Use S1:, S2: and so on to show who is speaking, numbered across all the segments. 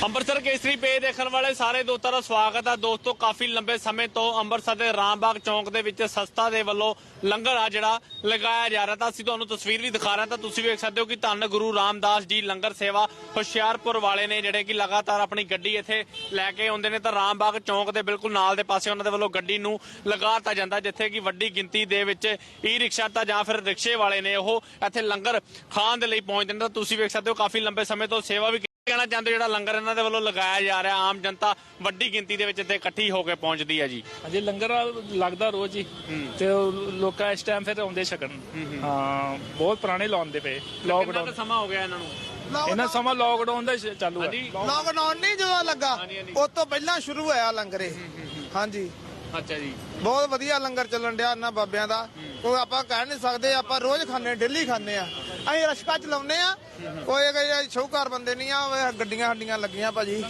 S1: ਅੰਮ੍ਰਿਤਸਰ ਕੇਸਰੀ ਪੇ ਦੇਖਣ ਵਾਲੇ ਸਾਰੇ ਦੋਸਤਾਂ ਦਾ ਸਵਾਗਤ ਹੈ। ਦੋਸਤੋ ਕਾਫੀ ਲੰਬੇ ਸਮੇਂ ਤੋਂ ਅੰਮ੍ਰਿਤਸਰ ਦੇ ਰਾਮਬਾਗ ਚੌਂਕ ਦੇ ਵਿੱਚ ਸੰਸਥਾ ਦੇ ਵੱਲੋਂ ਲੰਗਰ ਆ ਜਿਹੜਾ ਲਗਾਇਆ ਜਾ ਰਿਹਾ ਤਾਂ ਅਸੀਂ ਤੁਹਾਨੂੰ ਤਸਵੀਰ ਵੀ ਦਿਖਾ ਰਹੇ ਤਾਂ ਤੁਸੀਂ ਵੇਖ ਸਕਦੇ ਹੋ ਕਿ ਧੰਨ ਗੁਰੂ ਰਾਮਦਾਸ ਜੀ ਲੰਗਰ ਸੇਵਾ ਹੁਸ਼ਿਆਰਪੁਰ ਵਾਲੇ ਨੇ ਜਿਹੜੇ ਕਿ ਲਗਾਤਾਰ ਆਪਣੀ ਗੱਡੀ ਇੱਥੇ ਲੈ ਕੇ ਆਉਂਦੇ ਨੇ ਤਾਂ ਰਾਮਬਾਗ ਚੌਂਕ ਦੇ ਬਿਲਕੁਲ ਨਾਲ ਦੇ ਪਾਸੇ ਉਹਨਾਂ ਦੇ ਵੱਲੋਂ ਗੱਡੀ ਨੂੰ ਲਗਾਤਾ ਜਾਂਦਾ ਜਿੱਥੇ ਕਿ ਵੱਡੀ ਗਿਣਤੀ ਦੇ ਵਿੱਚ ਈ ਰਿਕਸ਼ਾ ਤਾਂ ਜਾਂ ਫਿਰ ਰਿਕਸ਼ੇ ਵਾਲੇ ਨੇ ਉਹ ਇੱਥੇ ਲੰਗਰ ਖਾਣ ਦੇ ਲਈ ਪਹੁੰਚਦੇ ਨੇ ਤਾਂ ਤੁਸੀਂ ਵੇਖ ਸਕਦੇ ਹੋ ਕਾਫੀ ਲੰਬੇ ਸਮੇਂ ਤੋਂ ਸੇਵਾ ਵੀ ਕਹਿਣਾ ਚਾਹੁੰਦੇ ਜਿਹੜਾ ਲੰਗਰ ਇਹਨਾਂ ਦੇ ਵੱਲੋਂ ਲਗਾਇਆ ਜਾ ਰਿਹਾ ਆਮ ਜਨਤਾ ਵੱਡੀ ਗਿਣਤੀ ਦੇ ਵਿੱਚ ਇੱਥੇ ਇਕੱਠੀ ਹੋ ਕੇ ਪਹੁੰਚਦੀ ਹੈ ਜੀ।
S2: ਹਾਂਜੀ ਲੰਗਰ ਲੱਗਦਾ ਰੋਜ਼ ਹੀ ਤੇ ਲੋਕਾਂ ਇਸ ਟਾਈਮ ਫਿਰ ਆਉਂਦੇ ਛਕਣ। ਹਾਂ ਬਹੁਤ ਪੁਰਾਣੇ ਲਾਉਂਦੇ ਪਏ
S1: ਕਿੰਨਾ ਸਮਾਂ ਹੋ ਗਿਆ ਇਹਨਾਂ ਨੂੰ?
S2: ਇਹਨਾਂ ਸਮਾਂ ਲੋਕਡਾਊਨ ਦਾ ਚਾਲੂ ਹੈ।
S3: ਲੋਕਡਾਊਨ ਨਹੀਂ ਜਦੋਂ ਲੱਗਾ ਉਸ ਤੋਂ ਪਹਿਲਾਂ ਸ਼ੁਰੂ ਹੋਇਆ ਲੰਗਰ ਇਹ। ਹਾਂਜੀ
S1: ਅੱਛਾ ਜੀ
S3: ਬਹੁਤ ਵਧੀਆ ਲੰਗਰ ਚੱਲਣ ਡਿਆ ਇਹਨਾਂ ਬਾਬਿਆਂ ਦਾ। ਕੋਈ ਆਪਾਂ ਕਹਿ ਨਹੀਂ ਸਕਦੇ ਆਪਾਂ ਰੋਜ਼ ਖਾਂਦੇ ਡੇਲੀ ਖਾਂਦੇ ਆ। ਅਸੀਂ ਰਸ਼ਕਾ ਚਲਾਉਂਦੇ ਆ ਕੋਈ ਸ਼ੌਕਾਰ ਬੰਦੇ ਨਹੀਂ ਆ ਗੱਡੀਆਂ ਸਾਡੀਆਂ ਲੱਗੀਆਂ ਭਾਜੀ।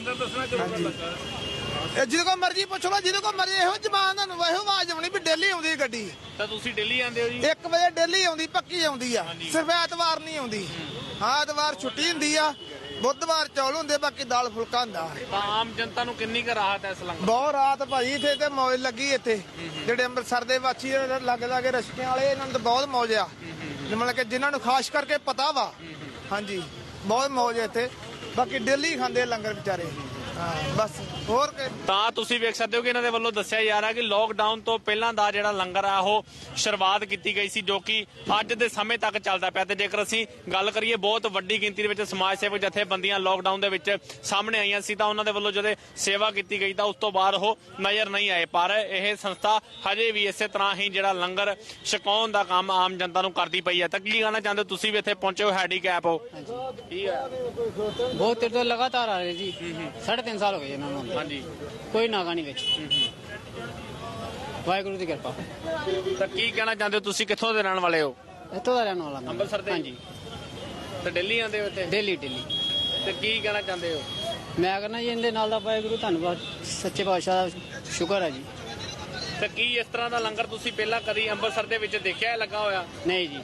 S3: ਇਹ ਜਿਹਦੇ ਕੋ ਮਰਜ਼ੀ ਪੁੱਛ ਲਓ ਜਿਹਦੇ ਕੋ ਮਰਜ਼ੀ ਇਹੋ ਜ਼ਬਾਨ ਤੁਹਾਨੂੰ ਇਹੋ ਆਵਾਜ਼ ਆਉਣੀ ਵੀ ਡੇਲੀ ਆਉਂਦੀ ਗੱਡੀ।
S1: ਤਾਂ ਤੁਸੀਂ ਦਿੱਲੀ ਆਉਂਦੇ ਹੋ ਜੀ?
S3: 1 ਵਜੇ ਡੇਲੀ ਆਉਂਦੀ ਪੱਕੀ ਆਉਂਦੀ ਆ ਸਿਰਫ ਐਤਵਾਰ ਨਹੀਂ ਆਉਂਦੀ। ਹਾਂ ਐਤਵਾਰ ਛੁੱਟੀ ਹੁੰਦੀ ਆ ਬੁੱਧਵਾਰ ਚੌਲ ਹੁੰਦੇ ਬਾਕੀ ਦਾਲ ਫੁਲਕਾ ਹੁੰਦਾ।
S1: ਤਾਂ ਆਮ ਜਨਤਾ ਨੂੰ ਕਿੰਨੀ ਕੁ ਰਾਹਤ ਹੈ ਇਸ ਲੰਗਰ?
S3: ਬਹੁਤ ਰਾਤ ਭਾਜੀ ਇੱਥੇ ਤੇ ਮੌਜ ਲੱਗੀ ਇੱਥੇ ਜਿਹੜੇ ਅੰਮ੍ਰਿਤਸਰ ਦੇ ਵਾਸੀ ਲੱਗ ਲਾਗੇ ਰਸ਼ਕਿਆਂ ਵਾਲੇ ਇਹਨਾਂ ਨੂੰ ਤਾਂ ਬਹੁਤ ਮੌਜ ਆ ਮਤਲਬ ਕਿ ਜਿਨ੍ਹਾਂ ਨੂੰ ਖਾਸ ਕਰਕੇ ਪਤਾ ਵਾ। ਹਾਂਜੀ ਬਹੁਤ ਮੌਜ ਹੈ ਇੱਥੇ ਬਾਕੀ ਡੇਲੀ ਖਾਂਦੇ ਲੰਗਰ ਵਿਚਾਰੇ। ਹਾਂ ਬਸ ਹੋਰ
S1: ਤਾਂ ਤੁਸੀਂ ਵੇਖ ਸਕਦੇ ਹੋ ਕਿ ਇਹਨਾਂ ਦੇ ਵੱਲੋਂ ਦੱਸਿਆ ਜਾ ਰਿਹਾ ਕਿ ਲੋਕਡਾਊਨ ਤੋਂ ਪਹਿਲਾਂ ਦਾ ਜਿਹੜਾ ਲੰਗਰ ਆ ਉਹ ਸ਼ੁਰੂਆਤ ਕੀਤੀ ਗਈ ਸੀ ਜੋ ਕਿ ਅੱਜ ਦੇ ਸਮੇਂ ਤੱਕ ਚੱਲਦਾ ਪਿਆ ਤੇ ਜੇਕਰ ਅਸੀਂ ਗੱਲ ਕਰੀਏ ਬਹੁਤ ਵੱਡੀ ਗਿਣਤੀ ਦੇ ਵਿੱਚ ਸਮਾਜ ਸੇਵਕ ਜਥੇਬੰਦੀਆਂ ਲੋਕਡਾਊਨ ਦੇ ਵਿੱਚ ਸਾਹਮਣੇ ਆਈਆਂ ਸੀ ਤਾਂ ਉਹਨਾਂ ਦੇ ਵੱਲੋਂ ਜਦੋਂ ਸੇਵਾ ਕੀਤੀ ਗਈ ਤਾਂ ਉਸ ਤੋਂ ਬਾਅਦ ਉਹ ਨਜ਼ਰ ਨਹੀਂ ਆਏ ਪਰ ਇਹ ਸੰਸਥਾ ਹਜੇ ਵੀ ਇਸੇ ਤਰ੍ਹਾਂ ਹੀ ਜਿਹੜਾ ਲੰਗਰ ਛਕਾਉਣ ਦਾ ਕੰਮ ਆਮ ਜਨਤਾ ਨੂੰ ਕਰਦੀ ਪਈ ਹੈ। ਤਾਂ ਕੀ ਕਹਿਣਾ ਚਾਹੁੰਦੇ ਤੁਸੀਂ ਵੀ ਇੱਥੇ ਪਹੁੰਚੇ ਹੋ ਹੈਂਡੀਕੈਪ ਹੋ? ਕੀ ਹੈ
S4: ਬਹੁਤ ਦੇਰ ਤੋਂ ਲਗਾਤਾਰ ਆ ਰਹੇ ਜੀ 3.5 ਸਾਲ ਹੋ ਗਏ ਇਹਨਾਂ ਨੂੰ।
S1: ਹਾਂਜੀ
S4: ਕੋਈ ਨਾਗਾ ਨਹੀਂ ਵਿੱਚ। ਵਾਹਿਗੁਰੂ ਦੀ ਕਿਰਪਾ।
S1: ਤਾਂ ਕੀ ਕਹਿਣਾ ਚਾਹੁੰਦੇ ਹੋ ਤੁਸੀਂ ਕਿੱਥੋਂ ਦੇ ਰਹਿਣ ਵਾਲੇ ਹੋ?
S4: ਇੱਥੋਂ ਦਾ ਰਹਿਣ ਵਾਲਾ ਮੈਂ।
S1: ਅੰਮ੍ਰਿਤਸਰ ਦੇ?
S4: ਹਾਂਜੀ
S1: ਤੇ ਦਿੱਲੀ ਆਉਂਦੇ ਹੋ ਇੱਥੇ?
S4: ਦਿੱਲੀ
S1: ਤੇ ਕੀ ਕਹਿਣਾ ਚਾਹੁੰਦੇ ਹੋ?
S4: ਮੈਂ ਕਹਿੰਦਾ ਜੀ ਇਹਦੇ ਨਾਲ ਦਾ ਵਾਹਿਗੁਰੂ ਧੰਨਵਾਦ ਸੱਚੇ ਪਾਤਸ਼ਾਹ ਦਾ ਸ਼ੁਕਰ ਹੈ ਜੀ।
S1: ਤੇ ਕੀ ਇਸ ਤਰ੍ਹਾਂ ਦਾ ਲੰਗਰ ਤੁਸੀਂ ਪਹਿਲਾਂ ਕਦੀ ਅੰਮ੍ਰਿਤਸਰ ਦੇ ਵਿੱਚ ਦੇਖਿਆ ਲੱਗਾ ਹੋਇਆ?
S4: ਨਹੀਂ ਜੀ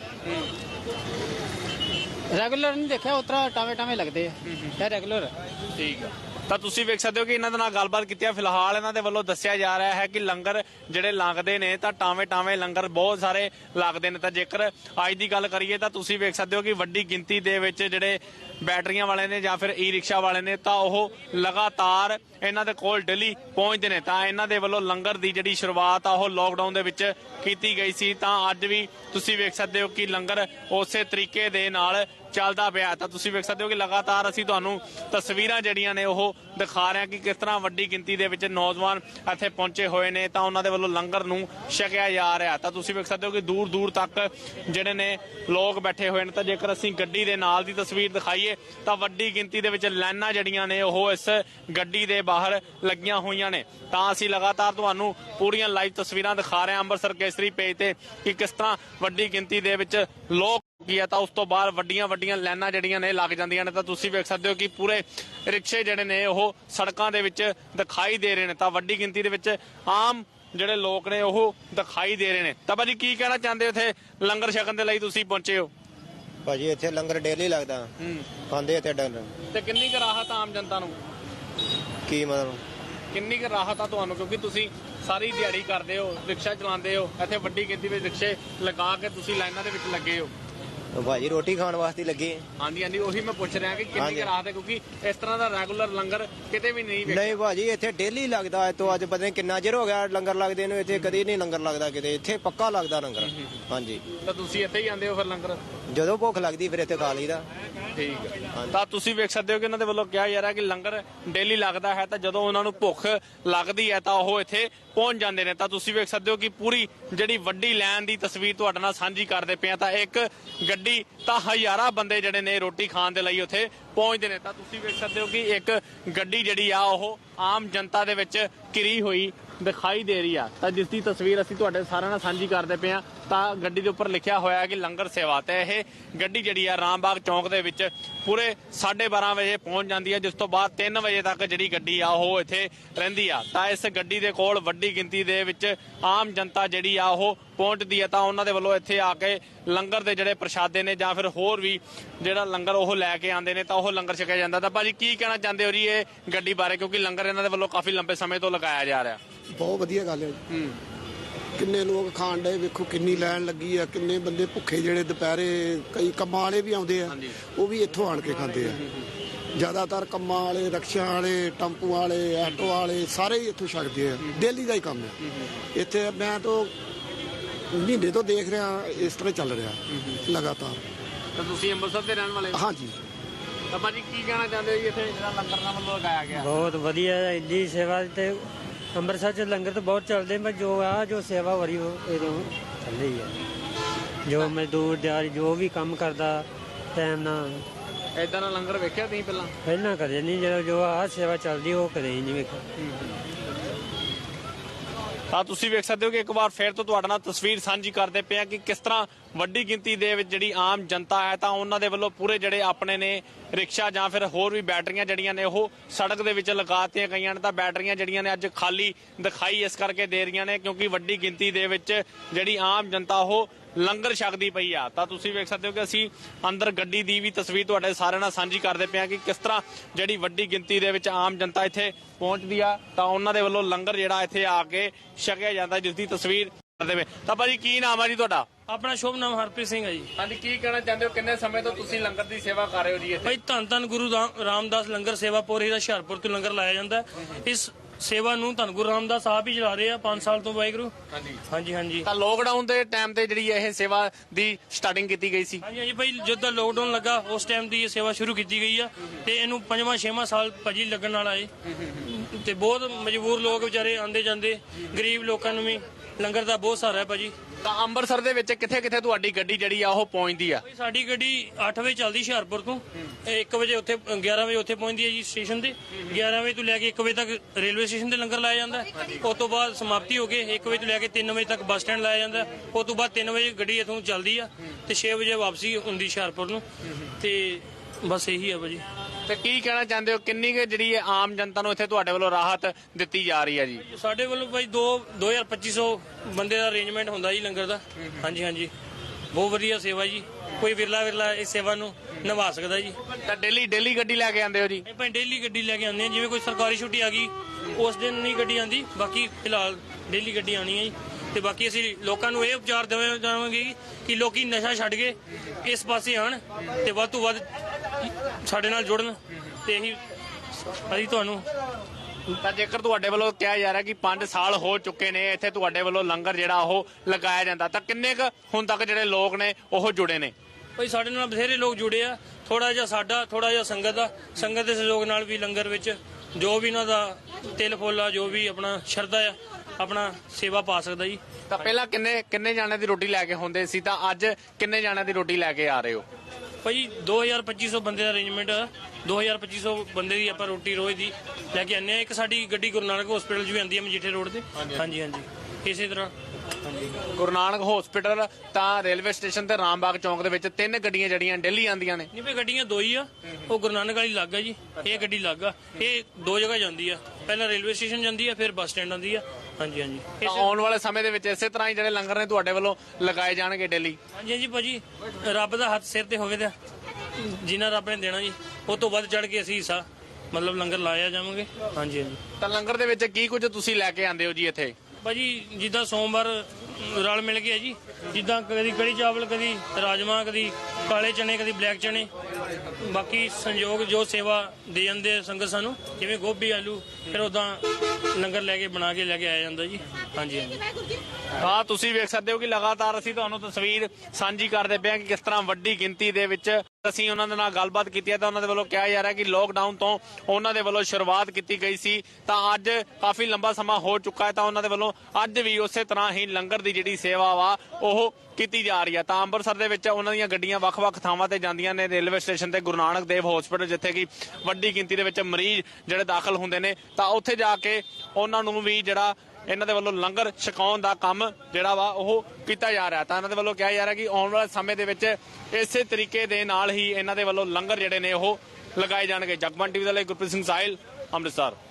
S4: ਰੈਗੂਲਰ ਨਹੀਂ ਦੇਖਿਆ ਉਤਰਾ ਟਾਵੇਂ ਲੱਗਦੇ ਆ ਇਹ ਰੈਗੂਲਰ।
S1: ਠੀਕ ਆ ਤਾਂ ਤੁਸੀਂ ਵੇਖ ਸਕਦੇ ਹੋ ਕਿ ਇਹਨਾਂ ਦੇ ਨਾਲ ਗੱਲਬਾਤ ਕੀਤੀ ਹੈ। ਫਿਲਹਾਲ ਇਹਨਾਂ ਦੇ ਵੱਲੋਂ ਦੱਸਿਆ ਜਾ ਰਿਹਾ ਹੈ ਕਿ ਲੰਗਰ ਜਿਹੜੇ ਲੱਗਦੇ ਨੇ ਤਾਂ ਟਾਵੇਂ ਲੰਗਰ ਬਹੁਤ ਸਾਰੇ ਲੱਗਦੇ ਨੇ। ਤਾਂ ਜੇਕਰ ਅੱਜ ਦੀ ਗੱਲ ਕਰੀਏ ਤਾਂ ਤੁਸੀਂ ਵੇਖ ਸਕਦੇ ਹੋ ਕਿ ਵੱਡੀ ਗਿਣਤੀ ਦੇ ਵਿੱਚ ਜਿਹੜੇ ਬੈਟਰੀਆਂ ਵਾਲੇ ਨੇ ਜਾਂ ਫਿਰ ਈ ਰਿਕਸ਼ਾ ਵਾਲੇ ਨੇ ਤਾਂ ਉਹ ਲਗਾਤਾਰ ਇਹਨਾਂ ਦੇ ਕੋਲ ਡੇਲੀ ਪਹੁੰਚਦੇ ਨੇ। ਤਾਂ ਇਹਨਾਂ ਦੇ ਵੱਲੋਂ ਲੰਗਰ ਦੀ ਜਿਹੜੀ ਸ਼ੁਰੂਆਤ ਆ ਉਹ ਲੋਕਡਾਊਨ ਦੇ ਵਿੱਚ ਕੀਤੀ ਗਈ ਸੀ ਤਾਂ ਅੱਜ ਵੀ ਤੁਸੀਂ ਵੇਖ ਸਕਦੇ ਹੋ ਕਿ ਲੰਗਰ ਉਸੇ ਤਰੀਕੇ ਦੇ ਨਾਲ ਚੱਲਦਾ ਪਿਆ। ਤਾਂ ਤੁਸੀਂ ਵੇਖ ਸਕਦੇ ਹੋ ਕਿ ਲਗਾਤਾਰ ਅਸੀਂ ਤੁਹਾਨੂੰ ਤਸਵੀਰਾਂ ਜਿਹੜੀਆਂ ਨੇ ਉਹ ਦਿਖਾ ਰਹੇ ਹਾਂ ਕਿ ਕਿਸ ਤਰ੍ਹਾਂ ਵੱਡੀ ਗਿਣਤੀ ਦੇ ਵਿੱਚ ਨੌਜਵਾਨ ਇੱਥੇ ਪਹੁੰਚੇ ਹੋਏ ਨੇ ਤਾਂ ਉਹਨਾਂ ਦੇ ਵੱਲੋਂ ਲੰਗਰ ਨੂੰ ਛਕਿਆ ਜਾ ਰਿਹਾ। ਤਾਂ ਤੁਸੀਂ ਵੇਖ ਸਕਦੇ ਹੋ ਕਿ ਦੂਰ ਤੱਕ ਜਿਹੜੇ ਨੇ ਲੋਕ ਬੈਠੇ ਹੋਏ ਨੇ। ਤਾਂ ਜੇਕਰ ਅਸੀਂ ਗੱਡੀ ਦੇ ਨਾਲ ਦੀ ਤਸਵੀਰ ਦਿਖਾਈਏ ਤਾਂ ਵੱਡੀ ਗਿਣਤੀ ਦੇ ਵਿੱਚ ਲਾਈਨਾਂ ਜਿਹੜੀਆਂ ਨੇ ਉਹ ਇਸ ਗੱਡੀ ਦੇ ਬਾਹਰ ਲੱਗੀਆਂ ਹੋਈਆਂ ਨੇ। ਤਾਂ ਅਸੀਂ ਲਗਾਤਾਰ ਤੁਹਾਨੂੰ ਪੂਰੀਆਂ ਲਾਈਵ ਤਸਵੀਰਾਂ ਦਿਖਾ ਰਹੇ ਹਾਂ ਅੰਮ੍ਰਿਤਸਰ ਕੇਸਰੀ ਪੇਜ ਤੇ ਕਿ ਕਿਸ ਤਰ੍ਹਾਂ ਵੱਡੀ ਗਿਣਤੀ ਦੇ ਵਿੱਚ ਲੋਕ ਕੀ ਹੈ ਤਾਂ ਉਸ ਤੋਂ ਬਾਅਦ ਵੱਡੀਆਂ ਲਾਈਨਾਂ ਜਿਹੜੀਆਂ ਨੇ ਲੱਗ ਜਾਂਦੀਆਂ ਨੇ। ਤਾਂ ਤੁਸੀਂ ਵੇਖ ਸਕਦੇ ਹੋ ਕਿ ਪੂਰੇ ਰਿਕਸ਼ੇ ਜਿਹੜੇ ਨੇ ਉਹ ਸੜਕਾਂ ਦੇ ਵਿੱਚ ਦਿਖਾਈ ਦੇ ਰਹੇ ਨੇ ਤਾਂ ਵੱਡੀ ਗਿਣਤੀ ਦੇ ਵਿੱਚ ਆਮ ਜਿਹੜੇ ਲੋਕ ਨੇ ਉਹ ਦਿਖਾਈ ਦੇ ਰਹੇ ਨੇ। ਤਾਂ ਭਾਜੀ ਕੀ ਕਹਿਣਾ ਚਾਹੁੰਦੇ ਹੋ ਇੱਥੇ ਲੰਗਰ ਛਕਣ ਦੇ ਲਈ ਤੁਸੀਂ ਪਹੁੰਚੇ ਹੋ?
S5: ਭਾਜੀ ਇੱਥੇ ਲੰਗਰ ਡੇਲੀ ਲੱਗਦਾ ਖਾਂਦੇ ਇੱਥੇ ਡੰਗਰ।
S1: ਤੇ ਕਿੰਨੀ ਕੁ ਰਾਹਤ ਆਮ ਜਨਤਾ ਨੂੰ?
S5: ਕੀ ਮਤਲਬ
S1: ਕਿੰਨੀ ਕੁ ਰਾਹਤ ਆ ਤੁਹਾਨੂੰ ਕਿਉਂਕਿ ਤੁਸੀਂ ਸਾਰੀ ਦਿਹਾੜੀ ਕਰਦੇ ਹੋ ਰਿਕਸ਼ਾ ਚਲਾਉਂਦੇ ਹੋ ਇੱਥੇ ਵੱਡੀ ਗਿਣਤੀ ਵਿੱਚ ਰਿਕਸ਼ੇ ਲਗਾ ਕੇ ਤੁਸੀਂ ਲਾਈਨਾਂ ਦੇ ਵਿੱਚ ਲੱਗੇ ਹੋ?
S5: ਭਾਜੀ ਰੋਟੀ ਖਾਣ ਵਾਸਤੇ ਲੱਗੇ।
S1: ਹਾਂਜੀ ਉਹੀ ਮੈਂ ਪੁੱਛ ਰਿਹਾ ਕਿ ਕਿੰਨੀ ਕੁ ਰਾਹਤ ਹੈ ਕਿਉਂਕਿ ਇਸ ਤਰ੍ਹਾਂ ਦਾ ਰੈਗੂਲਰ ਲੰਗਰ ਕਿਤੇ ਵੀ ਨਹੀਂ ਵੇਖਿਆ।
S5: ਨਹੀਂ ਭਾਜੀ ਇੱਥੇ ਡੇਲੀ ਲੱਗਦਾ ਤੋਂ ਅੱਜ ਪਤਾ ਨਹੀਂ ਕਿੰਨਾ ਚਿਰ ਹੋ ਗਿਆ ਲੰਗਰ ਲੱਗਦੇ ਨੂੰ। ਇੱਥੇ ਕਦੀ ਨਹੀਂ ਲੰਗਰ ਲੱਗਦਾ ਕਿਤੇ ਇੱਥੇ ਪੱਕਾ ਲੱਗਦਾ ਲੰਗਰ। ਹਾਂਜੀ
S1: ਤਾਂ ਤੁਸੀਂ ਇੱਥੇ ਹੀ ਆਉਂਦੇ ਹੋ ਫਿਰ ਲੰਗਰ?
S5: ਜਦੋਂ ਭੁੱਖ ਲੱਗਦੀ ਫਿਰ ਇੱਥੇ ਖਾ ਲਈਦਾ।
S1: ਠੀਕ ਹੈ ਤਾਂ ਤੁਸੀਂ ਵੇਖ ਸਕਦੇ ਹੋ ਕਿ ਇਹਨਾਂ ਦੇ ਵੱਲੋਂ ਕਿਹਾ ਜਾ ਰਿਹਾ ਕਿ ਲੰਗਰ ਡੇਲੀ ਲੱਗਦਾ ਹੈ ਤਾਂ ਜਦੋਂ ਉਹਨਾਂ ਨੂੰ ਭੁੱਖ ਲੱਗਦੀ ਹੈ ਤਾਂ ਉਹ ਇੱਥੇ ਪਹੁੰਚ ਜਾਂਦੇ ਨੇ। ਤਾਂ ਤੁਸੀਂ ਵੇਖ ਸਕਦੇ ਹੋ ਕਿ ਪੂਰੀ ਜਿਹੜੀ ਵੱਡੀ ਲਾਈਨ ਦੀ ਤਸਵੀਰ ਤੁਹਾਡੇ ਨਾਲ ਸਾਂਝੀ ਕਰਦੇ ਪਏ ਆ। ਤਾਂ ਇੱਕ ਗੱਡੀ ਤਾਂ ਹਜ਼ਾਰਾਂ ਬੰਦੇ ਜਿਹੜੇ ਨੇ ਰੋਟੀ ਖਾਣ ਦੇ ਲਈ ਉੱਥੇ ਪਹੁੰਚਦੇ ਨੇ। ਤਾਂ ਤੁਸੀਂ ਵੇਖ ਸਕਦੇ ਹੋ ਕਿ ਇੱਕ ਗੱਡੀ ਜਿਹੜੀ ਆ ਉਹ ਆਮ ਜਨਤਾ ਦੇ ਵਿੱਚ ਘਿਰੀ ਹੋਈ ਦਿਖਾਈ ਦੇ ਰਹੀ ਆ। ਤਾਂ ਜਿਸ ਦੀ ਤਸਵੀਰ ਅਸੀਂ ਤੁਹਾਡੇ ਸਾਰਿਆਂ ਨਾਲ ਸਾਂਝੀ ਕਰਦੇ ਪਏ ਆ। ਤਾਂ ਗੱਡੀ ਦੇ ਉੱਪਰ ਲਿਖਿਆ ਹੋਇਆ ਹੈ ਕਿ ਲੰਗਰ ਸੇਵਾ। ਤੇ ਇਹ ਗੱਡੀ ਜਿਹੜੀ ਆ ਰਾਮਬਾਗ ਚੌਂਕ ਦੇ ਵਿੱਚ ਪੂਰੇ 12:30 ਵਜੇ ਪਹੁੰਚ ਜਾਂਦੀ ਹੈ, ਜਿਸ ਤੋਂ ਬਾਅਦ 3 ਵਜੇ ਤੱਕ ਜਿਹੜੀ ਗੱਡੀ ਆ ਉਹ ਇੱਥੇ ਰਹਿੰਦੀ ਆ। ਤਾਂ ਇਸ ਗੱਡੀ ਦੇ ਕੋਲ ਵੱਡੀ ਗਿਣਤੀ ਦੇ ਵਿੱਚ ਆਮ ਜਨਤਾ ਜਿਹੜੀ ਆ ਉਹ ਪਹੁੰਚਦੀ ਹੈ, ਤਾਂ ਉਹਨਾਂ ਦੇ ਵੱਲੋਂ ਇੱਥੇ ਆ ਕੇ ਲੰਗਰ ਦੇ ਜਿਹੜੇ ਪ੍ਰਸ਼ਾਦੇ ਨੇ ਜਾਂ ਫਿਰ ਹੋਰ ਵੀ ਜਿਹੜਾ ਲੰਗਰ ਉਹ ਲੈ ਕੇ ਆਉਂਦੇ ਨੇ, ਤਾਂ ਉਹ ਲੰਗਰ ਛਕਿਆ ਜਾਂਦਾ। ਤਾਂ ਭਾਜੀ ਕੀ ਕਹਿਣਾ ਚਾਹੁੰਦੇ ਹੋ ਜੀ ਇਹ ਗੱਡੀ ਬਾਰੇ, ਕਿਉਂਕਿ ਲੰਗਰ ਇਹਨਾਂ ਦੇ ਵੱਲੋਂ ਕਾਫੀ ਲੰਬੇ ਸਮੇਂ ਤੋਂ ਲਗਾਇਆ ਜਾ ਰਿਹਾ?
S6: ਬਹੁਤ ਵਧੀਆ ਗੱਲ ਹੈ ਜੀ। ਕਿੰਨੇ ਲੋਕ ਖਾਣ ਡਏ, ਵੇਖੋ ਕਿੰਨੀ ਲਾਈਨ ਲੱਗੀ ਆ, ਕਿੰਨੇ ਬੰਦੇ ਭੁੱਖੇ ਜਿਹੜੇ ਦੁਪਹਿਰੇ, ਕਈ ਕੰਮਾਂ ਵਾਲੇ ਵੀ ਆਉਂਦੇ ਆ, ਉਹ ਵੀ ਇੱਥੋਂ ਆਣ ਕੇ ਖਾਂਦੇ ਆ। ਜ਼ਿਆਦਾਤਰ ਕੰਮਾਂ ਵਾਲੇ, ਰਕਸ਼ਿਆਂ ਵਾਲੇ, ਟੈਂਪੂ ਵਾਲੇ, ਆਟੋ ਵਾਲੇ ਸਾਰੇ ਹੀ ਇੱਥੋਂ ਛਕਦੇ ਆ। ਡੇਲੀ ਦਾ ਹੀ ਕੰਮ ਹੈ ਇੱਥੇ। ਮੈਂ ਤਾਂ ਮਹੀਨੇ ਤੋਂ ਦੇਖ ਰਿਹਾ ਇਸ ਤਰ੍ਹਾਂ ਚੱਲ ਰਿਹਾ ਲਗਾਤਾਰ।
S1: ਤਾਂ ਤੁਸੀਂ ਅੰਮ੍ਰਿਤਸਰ ਦੇ ਰਹਿਣ ਵਾਲੇ?
S6: ਹਾਂਜੀ।
S1: ਤਾਂ ਭਾਜੀ ਕੀ ਕਹਿਣਾ ਚਾਹੁੰਦੇ ਹੋ ਜੀ ਇੱਥੇ ਜਿਹੜਾ ਲੰਗਰ ਨਾਲ ਵੱਲੋਂ ਲਗਾਇਆ ਗਿਆ?
S7: ਬਹੁਤ ਵਧੀਆ ਇੰਨੀ ਸੇਵਾ ਤੇ ਅੰਮ੍ਰਿਤਸਰ ਚ ਲੰਗਰ ਤਾਂ ਬਹੁਤ ਚੱਲਦੇ, ਪਰ ਜੋ ਸੇਵਾ ਵਰੀ ਉਹ ਇਹਦੋਂ ਚੱਲੇ ਹੀ ਆ। ਜੋ ਮਜ਼ਦੂਰ ਦਿਹਾੜੀ ਜੋ ਵੀ ਕੰਮ ਕਰਦਾ ਟਾਈਮ ਨਾਲ,
S1: ਏਦਾਂ ਦਾ ਲੰਗਰ ਵੇਖਿਆ ਤੁਸੀਂ
S7: ਪਹਿਲਾਂ ਕਦੇ ਨਹੀਂ। ਜਦੋਂ ਜੋ ਆਹ ਸੇਵਾ ਚੱਲਦੀ ਉਹ ਕਦੇ ਹੀ ਨਹੀਂ ਵੇਖਿਆ।
S1: ਤਾਂ ਤੁਸੀਂ ਵੇਖ ਸਕਦੇ ਹੋ ਕਿ ਇੱਕ ਵਾਰ ਫਿਰ ਤੋਂ ਤੁਹਾਡੇ ਨਾਲ ਤਸਵੀਰ ਸਾਂਝੀ ਕਰਦੇ ਪਏ ਆ ਕਿ ਕਿਸ ਤਰ੍ਹਾਂ ਵੱਡੀ ਗਿਣਤੀ ਦੇ ਵਿੱਚ ਜਿਹੜੀ ਆਮ ਜਨਤਾ ਹੈ, ਤਾਂ ਉਹਨਾਂ ਦੇ ਵੱਲੋਂ ਪੂਰੇ ਜਿਹੜੇ ਆਪਣੇ ਨੇ ਰਿਕਸ਼ਾ ਜਾਂ ਫਿਰ ਹੋਰ ਵੀ ਬੈਟਰੀਆਂ ਜਿਹੜੀਆਂ ਨੇ ਉਹ ਸੜਕ ਦੇ ਵਿੱਚ ਲਗਾਤੀਆਂ ਗਈਆਂ ਨੇ। ਤਾਂ ਬੈਟਰੀਆਂ ਜਿਹੜੀਆਂ ਨੇ ਅੱਜ ਖਾਲੀ ਦਿਖਾਈ ਇਸ ਕਰਕੇ ਦੇ ਰਹੀਆਂ ਨੇ ਕਿਉਂਕਿ ਵੱਡੀ ਗਿਣਤੀ ਦੇ ਵਿੱਚ ਜਿਹੜੀ ਆਮ ਜਨਤਾ ਉਹ ਲੰਗਰ ਛਕਦੀ ਪਈ ਆ। ਤਾਂ ਤੁਸੀਂ ਵੇਖ ਸਕਦੇ ਹੋ ਕਿ ਅਸੀਂ ਅੰਦਰ ਗੱਡੀ ਦੀ ਵੀ ਤਸਵੀਰ ਤੁਹਾਡੇ ਸਾਰਿਆਂ ਨਾਲ ਸਾਂਝੀ ਕਰਦੇ ਪਏ ਆ ਕਿ ਕਿਸ ਤਰ੍ਹਾਂ ਜਿਹੜੀ ਵੱਡੀ ਗਿਣਤੀ ਦੇ ਵਿੱਚ ਆਮ ਜਨਤਾ ਇੱਥੇ ਪਹੁੰਚਦੀ ਆ, ਤਾਂ ਉਹਨਾਂ ਦੇ ਵੱਲੋਂ ਲੰਗਰ ਜਿਹੜਾ ਇੱਥੇ ਆ ਕੇ ਛਕਿਆ ਜਾਂਦਾ, ਜਿਸ ਦੀ ਤਸਵੀਰ ਕਰਦੇ ਪਏ। ਤਾਂ ਭਾਜੀ ਕੀ ਨਾਮ ਆ ਜੀ ਤੁਹਾਡਾ?
S2: ਆਪਣਾ ਸ਼ੁਭ ਨਾਮ ਹਰਪ੍ਰੀਤ ਸਿੰਘ ਹੈ ਜੀ।
S1: ਹਾਂਜੀ, ਕੀ ਕਹਿਣਾ ਚਾਹੁੰਦੇ ਹੋ? ਕਿੰਨੇ ਸਮੇਂ ਤੋਂ ਤੁਸੀਂ ਲੰਗਰ ਦੀ ਸੇਵਾ ਕਰ ਰਹੇ ਹੋ ਜੀ ਇੱਥੇ?
S2: ਭਾਈ ਧੰਨ ਧੰਨ ਗੁਰੂ ਰਾਮਦਾਸ ਲੰਗਰ ਸੇਵਾ ਪੋਰੀ ਦਾ ਹੁਸ਼ਿਆਰਪੁਰ ਤੋਂ ਲੰਗਰ ਲਾਇਆ ਜਾਂਦਾ। ਇਸ ਸੇਵਾ ਨੂੰ ਧੰਨ ਗੁਰੂ ਰਾਮਦਾਸ ਆਪ ਹੀ ਚਲਾ ਰਹੇ ਆ 5 ਸਾਲ ਤੋਂ। ਵਾਹਿਗੁਰੂ। ਹਾਂਜੀ ਹਾਂਜੀ।
S1: ਤਾਂ ਲੋਕਡਾਊਨ ਦੇ ਟਾਈਮ ਤੇ ਜਿਹੜੀ ਇਹ ਸੇਵਾ ਦੀ ਸਟਾਰਟਿੰਗ ਕੀਤੀ ਗਈ ਸੀ?
S2: ਹਾਂਜੀ ਹਾਂਜੀ ਭਾਈ, ਜਦੋਂ ਲੋਕਡਾਊਨ ਲੱਗਾ ਉਸ ਟਾਈਮ ਦੀ ਇਹ ਸੇਵਾ ਸ਼ੁਰੂ ਕੀਤੀ ਗਈ ਆ ਤੇ ਇਹਨੂੰ 5ਵਾਂ 6ਵਾਂ ਸਾਲ ਭਾਜੀ ਲੱਗਣ ਵਾਲਾ ਏ। ਤੇ ਬਹੁਤ ਮਜਬੂਰ ਲੋਕ ਵਿਚਾਰੇ ਆਂਦੇ ਜਾਂਦੇ, ਗਰੀਬ ਲੋਕਾਂ ਨੂੰ ਵੀ ਲੰਗਰ ਦਾ ਬਹੁਤ ਸਹਾਰਾ ਹੈ ਭਾਜੀ।
S1: ਤਾਂ ਅੰਮ੍ਰਿਤਸਰ ਦੇ ਵਿੱਚ ਕਿੱਥੇ ਕਿੱਥੇ ਤੁਹਾਡੀ ਗੱਡੀ ਜਿਹੜੀ ਆ ਉਹ ਪਹੁੰਚਦੀ ਆ?
S2: ਸਾਡੀ ਗੱਡੀ 8 ਵਜੇ ਚੱਲਦੀ ਹੁਸ਼ਿਆਰਪੁਰ ਤੋਂ, 1 ਵਜੇ ਉੱਥੇ 11 ਵਜੇ ਉੱਥੇ ਪਹੁੰਚਦੀ ਹੈ ਜੀ ਸਟੇਸ਼ਨ ਤੇ। 11 ਵਜੇ ਤੋਂ ਲੈ ਕੇ 1 ਵਜੇ ਤੱਕ ਰੇਲਵੇ ਸਟੇਸ਼ਨ ਤੇ ਲੰਗਰ ਲਾਇਆ ਜਾਂਦਾ। ਉਸ ਤੋਂ ਬਾਅਦ ਸਮਾਪਤੀ ਹੋ ਕੇ 1 ਵਜੇ ਤੋਂ ਲੈ ਕੇ 3 ਵਜੇ ਤੱਕ ਬੱਸ ਸਟੈਂਡ ਲਾਇਆ ਜਾਂਦਾ। ਉਸ ਤੋਂ ਬਾਅਦ 3 ਵਜੇ ਗੱਡੀ ਇੱਥੋਂ ਚੱਲਦੀ ਆ ਤੇ 6 ਵਜੇ ਵਾਪਸੀ ਹੁੰਦੀ ਹੁਸ਼ਿਆਰਪੁਰ ਨੂੰ। ਤੇ ਬਸ ਇਹੀ ਆ ਭਾਜੀ।
S1: ਤੇ ਕੀ ਕਹਿਣਾ ਚਾਹੁੰਦੇ ਹੋ, ਕਿੰਨੀ ਕੁ ਜਿਹੜੀ ਆਮ ਜਨਤਾ ਨੂੰ ਇੱਥੇ ਤੁਹਾਡੇ ਵੱਲੋਂ ਰਾਹਤ ਦਿੱਤੀ ਜਾ ਰਹੀ ਹੈ ਜੀ?
S2: ਸਾਡੇ ਵੱਲੋਂ ਭਾਈ 2250 ਬੰਦੇ ਦਾ ਅਰੇਂਜਮੈਂਟ ਹੁੰਦਾ ਜੀ ਲੰਗਰ ਦਾ। ਹਾਂਜੀ ਹਾਂਜੀ, ਬਹੁਤ ਵਧੀਆ ਸੇਵਾ ਜੀ। ਕੋਈ ਵਿਰਲਾ ਇਸ ਸੇਵਾ ਨੂੰ ਨਿਭਾ ਸਕਦਾ ਜੀ।
S1: ਤਾਂ ਡੇਲੀ ਗੱਡੀ ਲੈ ਕੇ ਆਉਂਦੇ ਹੋ ਜੀ?
S2: ਭਾਈ ਡੇਲੀ ਗੱਡੀ ਲੈ ਕੇ ਆਉਂਦੇ ਆ। ਜਿਵੇਂ ਕੋਈ ਸਰਕਾਰੀ ਛੁੱਟੀ ਆ ਗਈ ਉਸ ਦਿਨ ਨਹੀਂ ਗੱਡੀ ਆਉਂਦੀ, ਬਾਕੀ ਫਿਲਹਾਲ ਡੇਲੀ ਗੱਡੀ ਆਉਣੀ ਹੈ ਜੀ। ਤੇ ਬਾਕੀ ਅਸੀਂ ਲੋਕਾਂ ਨੂੰ ਇਹ ਉਪਚਾਰ ਦੇਵਾਂਗੇ ਕਿ ਲੋਕੀ ਨਸ਼ਾ ਛੱਡ ਕੇ ਇਸ ਪਾਸੇ ਆਣ ਤੇ ਵੱਧ ਤੋਂ ਵੱਧ ਸਾਡੇ ਨਾਲ ਜੁੜਨ। ਤੇ ਇਹੀ ਅਸੀਂ ਤੁਹਾਨੂੰ।
S1: ਤਾਂ ਜੇਕਰ ਤੁਹਾਡੇ ਵੱਲੋਂ ਕਿਹਾ ਜਾ ਰਿਹਾ ਕਿ 5 ਸਾਲ ਹੋ ਚੁੱਕੇ ਨੇ ਇੱਥੇ ਤੁਹਾਡੇ ਵੱਲੋਂ ਲੰਗਰ ਜਿਹੜਾ ਉਹ ਲਗਾਇਆ ਜਾਂਦਾ, ਤਾਂ ਕਿੰਨੇ ਕੁ ਹੁਣ ਤੱਕ ਜਿਹੜੇ ਲੋਕ ਨੇ ਉਹ ਜੁੜੇ ਨੇ?
S2: ਭਾਈ ਸਾਡੇ ਨਾਲ ਬਥੇਰੇ ਲੋਕ ਜੁੜੇ ਆ। ਥੋੜਾ ਜਿਹਾ ਸਾਡਾ, ਥੋੜਾ ਜਿਹਾ ਸੰਗਤ ਦਾ। ਸੰਗਤ ਦੇ ਸਹਿਯੋਗ ਨਾਲ ਵੀ ਲੰਗਰ ਵਿੱਚ ਜੋ ਵੀ ਇਹਨਾਂ ਦਾ ਤਿਲ ਫੁੱਲ ਆ, ਜੋ ਵੀ ਆਪਣਾ ਸ਼ਰਧਾ ਆ, ਆਪਣਾ ਸੇਵਾ ਪਾ ਸਕਦਾ ਜੀ।
S1: ਤਾਂ ਪਹਿਲਾਂ ਕਿੰਨੇ ਜਾਣਿਆਂ ਦੀ ਰੋਟੀ ਲੈ ਕੇ ਹੁੰਦੇ ਸੀ, ਤਾਂ ਅੱਜ ਕਿੰਨੇ ਜਾਣਿਆਂ ਦੀ ਰੋਟੀ ਲੈ ਕੇ ਆ ਰਹੇ ਹੋ?
S2: ਭਾਈ 2250 ਬੰਦੇ ਦਾ ਅਰੇਂਜਮੈਂਟ ਆ। 2250 ਬੰਦੇ ਦੀ ਆਪਾਂ ਰੋਟੀ ਰੋਜ਼ ਦੀ ਲੈ ਕੇ ਆਉਂਦੇ ਆ। ਇੱਕ ਸਾਡੀ ਗੱਡੀ ਗੁਰੂ ਨਾਨਕ ਹਸਪੀਟਲ 'ਚ ਵੀ ਆਉਂਦੀ ਹੈ ਮਜੀਠੇ ਰੋਡ ਤੇ। ਹਾਂਜੀ ਹਾਂਜੀ, ਇਸੇ ਤਰ੍ਹਾਂ।
S1: ਗੁਰੂ ਨਾਨਕ ਹਸਪੀਟਲ ਤਾਂ ਰੇਲਵੇ ਸਟੇਸ਼ਨ ਤੇ ਰਾਮਬਾਗ ਚੌਂਕ ਦੇ ਵਿੱਚ 3 ਗੱਡੀਆਂ ਜਿਹੜੀਆਂ ਡੇਲੀ ਆਉਂਦੀਆਂ ਨੇ?
S2: ਨਹੀਂ ਭਾਈ, ਗੱਡੀਆਂ 2 ਹੀ ਆ। ਉਹ ਗੁਰੂ ਨਾਨਕ ਵਾਲੀ ਲੱਗ ਆ ਜੀ, ਇਹ ਗੱਡੀ ਲੱਗ ਆ। ਇਹ 2 ਜਗ੍ਹਾ ਜਾਂਦੀ ਆ, ਪਹਿਲਾਂ ਰੇਲਵੇ ਸਟੇਸ਼ਨ ਜਾਂਦੀ ਆ, ਫਿਰ ਬੱਸ ਸਟੈਂਡ ਆਉਂਦੀ ਆ। ਹਾਂਜੀ ਹਾਂਜੀ।
S1: ਤਾਂ ਆਉਣ ਵਾਲੇ ਸਮੇਂ ਦੇ ਵਿੱਚ ਇਸੇ ਤਰ੍ਹਾਂ ਹੀ ਜਿਹੜੇ ਲੰਗਰ ਨੇ ਤੁਹਾਡੇ ਵੱਲੋਂ ਲਗਾਏ ਜਾਣਗੇ ਡੇਲੀ?
S2: ਹਾਂਜੀ ਹਾਂਜੀ ਭਾਜੀ, ਰੱਬ ਦਾ ਹੱਥ ਸਿਰ ਤੇ ਹੋਵੇ ਤਾਂ ਜਿੰਨਾ ਰੱਬ ਨੇ ਦੇਣਾ ਜੀ, ਉਹ ਤੋਂ ਵੱਧ ਚੜ ਕੇ ਅਸੀਂ ਹਿੱਸਾ ਮਤਲਬ ਲੰਗਰ ਲਾਇਆ ਜਾਵਾਂਗੇ। ਹਾਂਜੀ ਹਾਂਜੀ।
S1: ਤਾਂ ਲੰਗਰ ਦੇ ਵਿੱਚ ਕੀ ਕੁਝ ਤੁਸੀਂ ਲੈ ਕੇ ਆਉਂਦੇ ਹੋ ਜੀ ਇੱਥੇ?
S2: ਭਾਜੀ ਜਿੱਦਾਂ ਸੋਮਵਾਰ ਰਲ ਮਿਲ ਗਿਆ ਜੀ, ਜਿੱਦਾਂ ਕਦੀ ਕੜੀ ਚਾਵਲ, ਕਦੀ ਰਾਜਮਾ, ਕਦੀ ਕਾਲੇ ਚਨੇ, ਕਦੀ ਬਲੈਕ ਚਨੇ। ਬਾਕੀ ਸੰਯੋਗ ਜੋ ਸੇਵਾ ਦੇ ਜਾਂਦੇ ਸੰਗਤ ਸਾਨੂੰ, ਜਿਵੇਂ ਗੋਭੀ ਆਲੂ, ਫਿਰ ਉਦਾਂ ਲੰਗਰ ਲੈ ਕੇ ਬਣਾ ਕੇ ਲੈ ਕੇ ਆਇਆ ਜਾਂਦਾ ਜੀ। ਹਾਂਜੀ ਹਾਂਜੀ।
S1: ਹਾਂ, ਤੁਸੀਂ ਵੇਖ ਸਕਦੇ ਹੋ ਕਿ ਲਗਾਤਾਰ ਅਸੀਂ ਤੁਹਾਨੂੰ ਤਸਵੀਰ ਸਾਂਝੀ ਕਰਦੇ ਪਏ ਹਾਂ ਕਿ ਕਿਸ ਤਰ੍ਹਾਂ ਵੱਡੀ ਗਿਣਤੀ ਦੇ ਵਿੱਚ ਅਸੀਂ ਉਹਨਾਂ ਦੇ ਨਾਲ ਗੱਲਬਾਤ ਕੀਤੀ ਹੈ। ਤਾਂ ਉਹਨਾਂ ਦੇ ਵੱਲੋਂ ਕਿਹਾ ਜਾ ਰਿਹਾ ਕਿ ਲੋਕਡਾਊਨ ਤੋਂ ਉਹਨਾਂ ਦੇ ਵੱਲੋਂ ਸ਼ੁਰੂਆਤ ਕੀਤੀ ਗਈ ਸੀ, ਤਾਂ ਅੱਜ ਕਾਫੀ ਲੰਬਾ ਸਮਾਂ ਹੋ ਚੁੱਕਾ ਹੈ। ਤਾਂ ਉਹਨਾਂ ਦੇ ਵੱਲੋਂ ਅੱਜ ਵੀ ਉਸੇ ਤਰ੍ਹਾਂ ਹੀ ਲੰਗਰ ਦੀ ਜਿਹੜੀ ਸੇਵਾ ਵਾ ਉਹ ਕੀਤੀ ਜਾ ਰਹੀ ਹੈ। ਤਾਂ ਅੰਮ੍ਰਿਤਸਰ ਦੇ ਵਿੱਚ ਉਹਨਾਂ ਦੀਆਂ ਗੱਡੀਆਂ ਵੱਖ-ਵੱਖ ਥਾਵਾਂ ਤੇ ਜਾਂਦੀਆਂ ਨੇ। ਰੇਲਵੇ ਸਟੇਸ਼ਨ ਤੇ ਗੁਰੂ ਨਾਨਕ ਦੇਵ ਹਸਪੀਟਲ, ਜਿੱਥੇ ਕਿ ਵੱਡੀ ਗਿਣਤੀ ਦੇ ਵਿੱਚ ਮਰੀਜ਼ ਜਿਹੜੇ ਦਾਖਲ ਹੁੰਦੇ ਨੇ, ਤਾਂ ਉੱਥੇ ਜਾ ਕੇ ਉਹਨਾਂ ਨੂੰ ਵੀ ਜਿਹੜਾ ਇਹਨਾਂ ਦੇ ਵੱਲੋਂ ਲੰਗਰ ਛਕਾਉਣ ਦਾ ਕੰਮ ਜਿਹੜਾ ਵਾ ਉਹ ਕੀਤਾ ਜਾ ਰਿਹਾ। ਤਾਂ ਇਹਨਾਂ ਦੇ ਵੱਲੋਂ ਕਿਹਾ ਜਾ ਰਿਹਾ ਕਿ ਆਉਣ ਵਾਲੇ ਸਮੇਂ ਦੇ ਵਿੱਚ ਇਸੇ ਤਰੀਕੇ ਦੇ ਨਾਲ ਹੀ ਇਹਨਾਂ ਦੇ ਵੱਲੋਂ ਲੰਗਰ ਜਿਹੜੇ ਨੇ ਉਹ ਲਗਾਏ ਜਾਣਗੇ। ਜਗਬਾਣੀ ਟੀਵੀ ਦੇ ਲਈ ਗੁਰਪ੍ਰੀਤ ਸਿੰਘ ਸਾਹਿਲ, ਅੰਮ੍ਰਿਤਸਰ।